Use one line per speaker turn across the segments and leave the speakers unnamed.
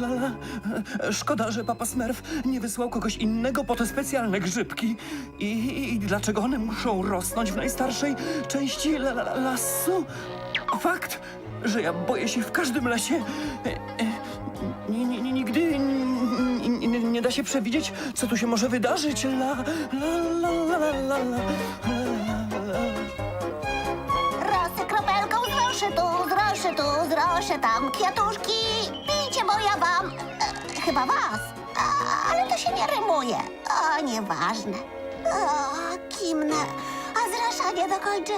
la, la. Szkoda, że papa Smurf nie wysłał kogoś innego po te specjalne grzybki. I dlaczego one muszą rosnąć w najstarszej części lasu? Fakt, że ja boję się w każdym lesie. Nigdy nie da się przewidzieć, co tu się może wydarzyć.
Rosy kropelką z rozszytu, tam kwiatuszki. Pijcie, bo ja wam... chyba was. Ale to się nie rymuje. O, nieważne. O, kimnę. A zraszanie dokończę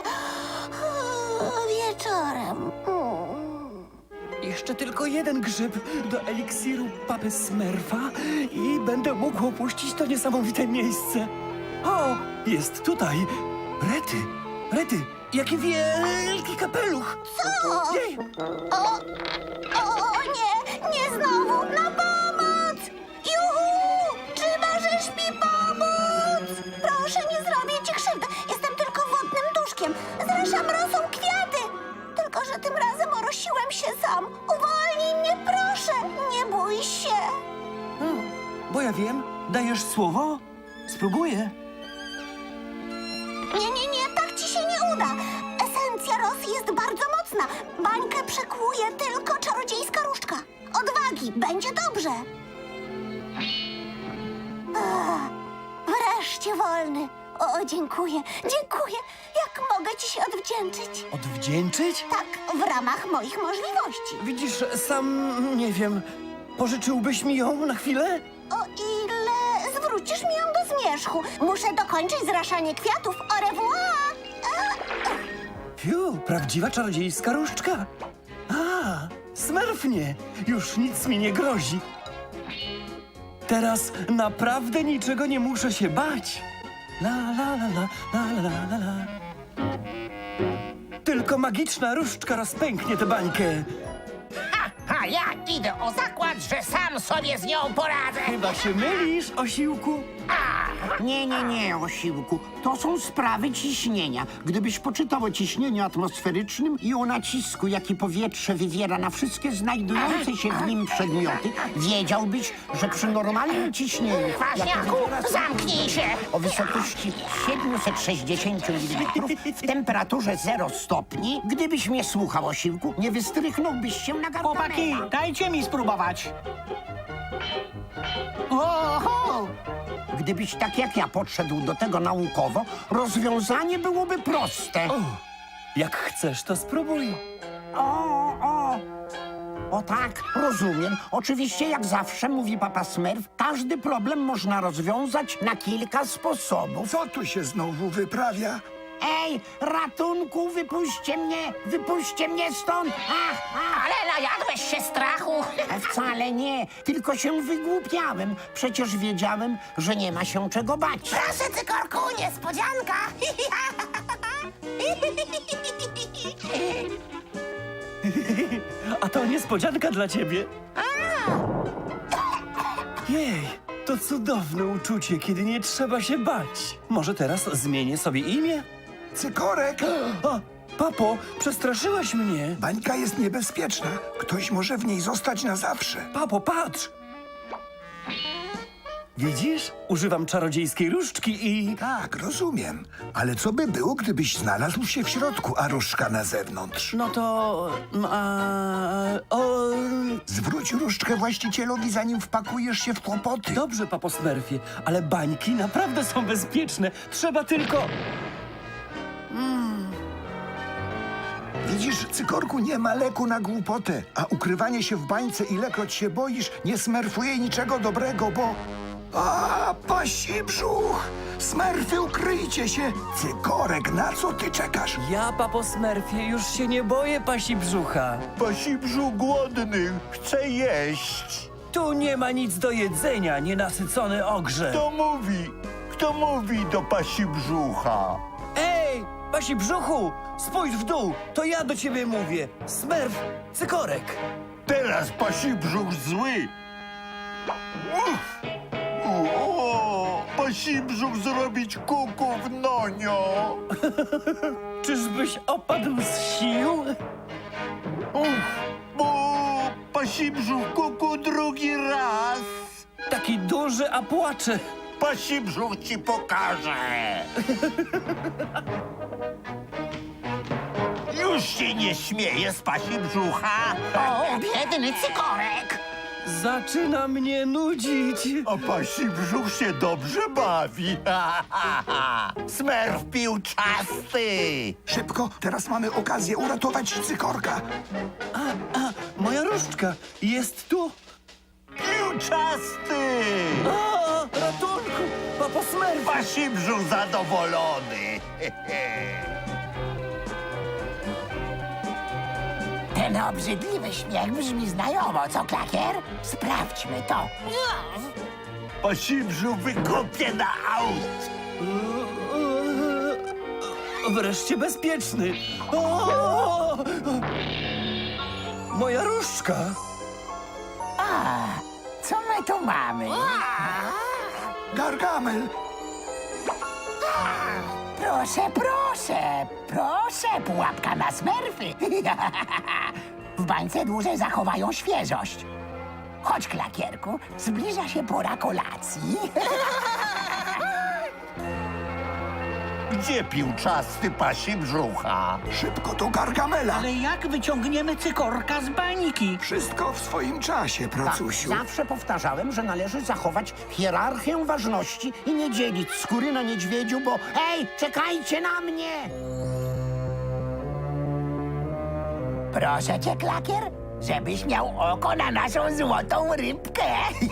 wieczorem.
Jeszcze tylko jeden grzyb do eliksiru papy Smurfa i będę mógł opuścić to niesamowite miejsce. O, jest tutaj. Rety, jaki wielki kapeluch.
Co?
Jej,
O, nie znowu. Na pomoc! Juhu! Czy możesz mi pomóc? Proszę, nie zrobię ci krzywdy. Jestem tylko wodnym duszkiem. Zraszam rosą kwiaty. Tylko że tym razem orosiłem się sam. Uwolnij mnie, proszę. Nie bój się.
bo ja wiem, dajesz słowo? Spróbuję.
Nie, tak ci się nie uda. Esencja rosy jest bardzo mocna. Bańkę przekłuje tylko czarodziejska różdżka. Odwagi, będzie dobrze. Wreszcie wolny. O, dziękuję. Jak mogę ci się odwdzięczyć?
Odwdzięczyć?
Tak, w ramach moich możliwości.
Widzisz, sam nie wiem. Pożyczyłbyś mi ją na chwilę?
O ile zwrócisz mi ją do zmierzchu. Muszę dokończyć zraszanie kwiatów. Au revoir!
Fiu, prawdziwa czarodziejska różdżka. Smurfnie, już nic mi nie grozi. Teraz naprawdę niczego nie muszę się bać. La. Tylko magiczna różdżka rozpęknie tę bańkę.
A ja idę o zakład, że sam sobie z nią poradzę.
Chyba się mylisz, osiłku.
Nie, Osiłku. To są sprawy ciśnienia. Gdybyś poczytał o ciśnieniu atmosferycznym i o nacisku, jaki powietrze wywiera na wszystkie znajdujące się w nim przedmioty, wiedziałbyś, że przy normalnym ciśnieniu...
Kwaśniaku, zamknij się!
O wysokości 760 mm w temperaturze 0 stopni, gdybyś mnie słuchał, Osiłku, nie wystrychnąłbyś się na
Chłopaki,
Gargamela.
dajcie mi spróbować. Oho!
Gdybyś tak jak ja podszedł do tego naukowo, rozwiązanie byłoby proste.
Jak chcesz, to spróbuj.
O tak, rozumiem. Oczywiście, jak zawsze, mówi papa Smurf, każdy problem można rozwiązać na kilka sposobów.
Co tu się znowu wyprawia?
Ej, ratunku, wypuśćcie mnie stąd!
Ale najadłeś się strachu.
Wcale nie, tylko się wygłupiałem. Przecież wiedziałem, że nie ma się czego bać.
Proszę, Cykorku, niespodzianka.
A to niespodzianka dla ciebie. Jej, to cudowne uczucie, kiedy nie trzeba się bać. Może teraz zmienię sobie imię?
Cykorek!
O, papo, przestraszyłeś mnie.
Bańka jest niebezpieczna. Ktoś może w niej zostać na zawsze.
Papo, patrz! Widzisz? Używam czarodziejskiej różdżki i...
Tak, rozumiem. Ale co by było, gdybyś znalazł się w środku, a różdżka na zewnątrz?
No to...
Zwróć różdżkę właścicielowi, zanim wpakujesz się w kłopoty.
Dobrze, papo Smurfie, ale bańki naprawdę są bezpieczne. Trzeba tylko...
Widzisz, Cykorku, nie ma leku na głupotę, a ukrywanie się w bańce, ilekroć się boisz, nie smerfuje niczego dobrego, bo... pasi brzuch! Smerfy, ukryjcie się! Cykorek, na co ty czekasz?
Ja, papo Smurfie, już się nie boję pasi brzucha.
Pasi brzuch głodny, chce jeść.
Tu nie ma nic do jedzenia, nienasycony ogrze.
Kto mówi do pasi brzucha?
Ej, pasi brzuchu, spójrz w dół, to ja do ciebie mówię. Smurf, Cykorek.
Teraz pasi brzuch zły. Pasi brzuch zrobić kuku w nonio.
Czyżbyś opadł z sił?
Bo pasi Pasi brzuch kuku drugi raz.
Taki duży, a płacze.
Pasi brzuch ci pokaże. Już się nie śmieje z pasi brzucha.
O, biedny cykorek.
Zaczyna mnie nudzić.
A pasi brzuch się dobrze bawi. Smerf piłczasty.
Szybko, teraz mamy okazję uratować cykorka.
Moja różdżka jest tu.
Piłczasty.
O, ratunku! Papo Smurf!
Pasi brzuch zadowolony.
Ten obrzydliwy śmiech brzmi znajomo, co, Klakier? Sprawdźmy to.
Pasi brzuch wykopie na aut.
Wreszcie bezpieczny. O! Moja różdżka.
Co my tu mamy?
Gargamel,
Proszę, proszę, proszę, pułapka na smerfy. W bańce dłużej zachowają świeżość. Chodź, Klakierku, zbliża się pora kolacji.
Gdzie piłczasty pasi brzucha?
szybko do Gargamela.
Ale jak wyciągniemy cykorka z bańki?
Wszystko w swoim czasie, pracusiu.
Zawsze powtarzałem, że należy zachować hierarchię ważności i nie dzielić skóry na niedźwiedziu, bo hej, czekajcie na mnie!
Proszę cię, Klakier, żebyś miał oko na naszą złotą rybkę.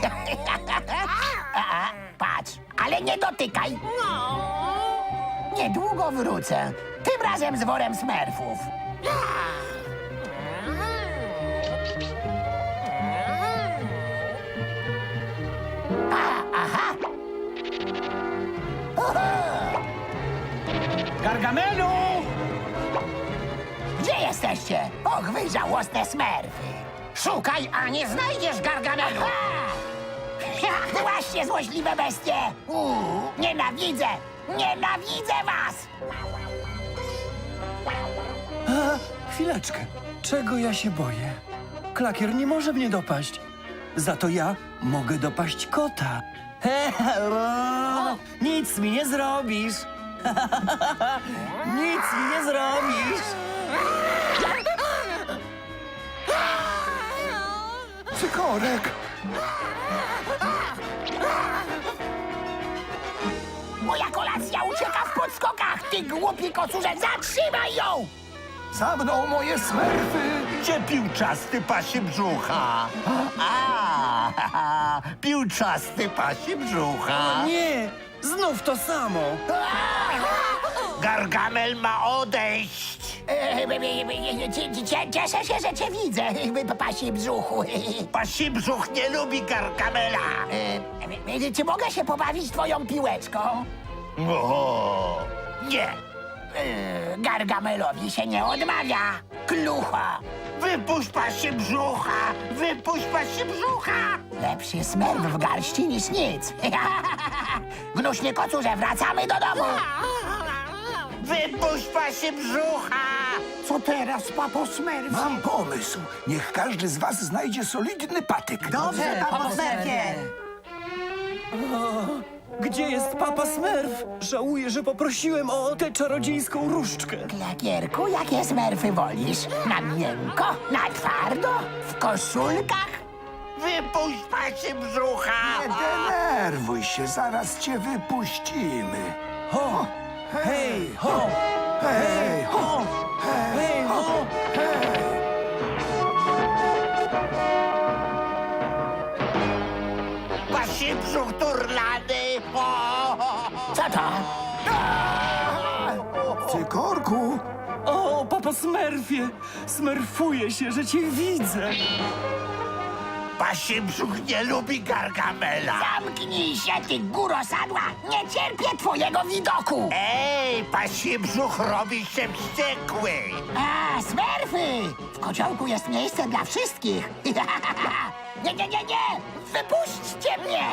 Patrz, ale nie dotykaj. Niedługo wrócę. Tym razem z worem smerfów. Aha!
Gargamelu!
Gdzie jesteście? Och, wy żałosne smerfy. Szukaj, a nie znajdziesz Gargamelu. Właśnie, złośliwe bestie. Nienawidzę! Nienawidzę was!
Chwileczkę. Czego ja się boję? Klakier nie może mnie dopaść. Za to ja mogę dopaść kota. Nic mi nie zrobisz. Nic mi nie zrobisz.
Cykorek,
Moja kolacja ucieka w podskokach! Ty głupi kocurze, zatrzymaj ją!
za mną moje smerfy.
Gdzie piłczasty pasi brzucha? Piłczasty pasi brzucha.
Nie, znów to samo.
Gargamel ma odejść.
Cieszę się, że cię widzę, pasi brzuchu.
Pasi brzuch nie lubi Gargamela.
Czy mogę się pobawić twoją piłeczką?
O, nie.
Gargamelowi się nie odmawia. Klucho.
Wypuść pasi brzucha. Wypuść pasi brzucha.
Lepszy smerf w garści niż nic. Gnuśnie kocurze, wracamy do domu.
Wypuść pasi brzucha.
Co teraz, papo Smurf?
Mam pomysł. Niech każdy z was znajdzie solidny patyk.
Dobrze, papo Smurfie!
Gdzie jest Papa Smurf? Żałuję, że poprosiłem o tę czarodziejską różdżkę.
Klakierku, jakie smerfy wolisz? Na miękko? Na twardo? W koszulkach?
Wypuść pasi brzucha.
Nie denerwuj się, zaraz cię wypuścimy.
Ho! Hej, ho!
Hej, ho!
Hej, ho!
Pasi brzuch turlany.
Co to?
Cykorku,
O, Papo Smurfie! Smerfuję się, że cię widzę.
Pasi brzuch nie lubi Gargamela.
Zamknij się, ty góro sadła! Nie cierpię twojego widoku!
Ej, pasi brzuch robi się wściekły.
A, smerfy! W kociołku jest miejsce dla wszystkich! Nie, nie, nie, nie! Wypuśćcie mnie!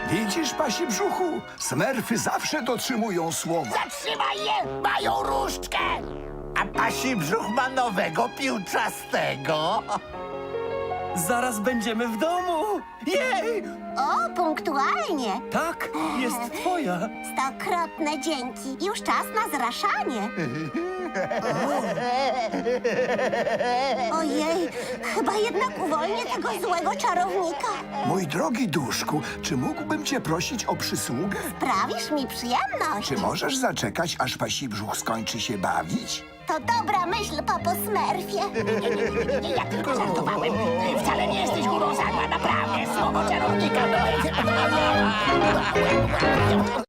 Widzisz, pasi brzuchu? Smerfy zawsze dotrzymują słowa.
Zatrzymaj je! Mają różdżkę!
A pasi brzuch ma nowego piłczastego.
Zaraz będziemy w domu! Jej!
O, punktualnie.
Tak, jest twoja.
Stokrotne dzięki. Już czas na zraszanie. Ojej, chyba jednak uwolnię tego złego czarownika.
Mój drogi duszku, czy mógłbym cię prosić o przysługę?
Sprawisz mi przyjemność.
Czy możesz zaczekać, aż pasi brzuch skończy się bawić?
To dobra myśl, papo Smurfie.
Nie, ja tylko żartowałem. Wcale nie jesteś górą zadła, naprawdę. Słowo czarownika.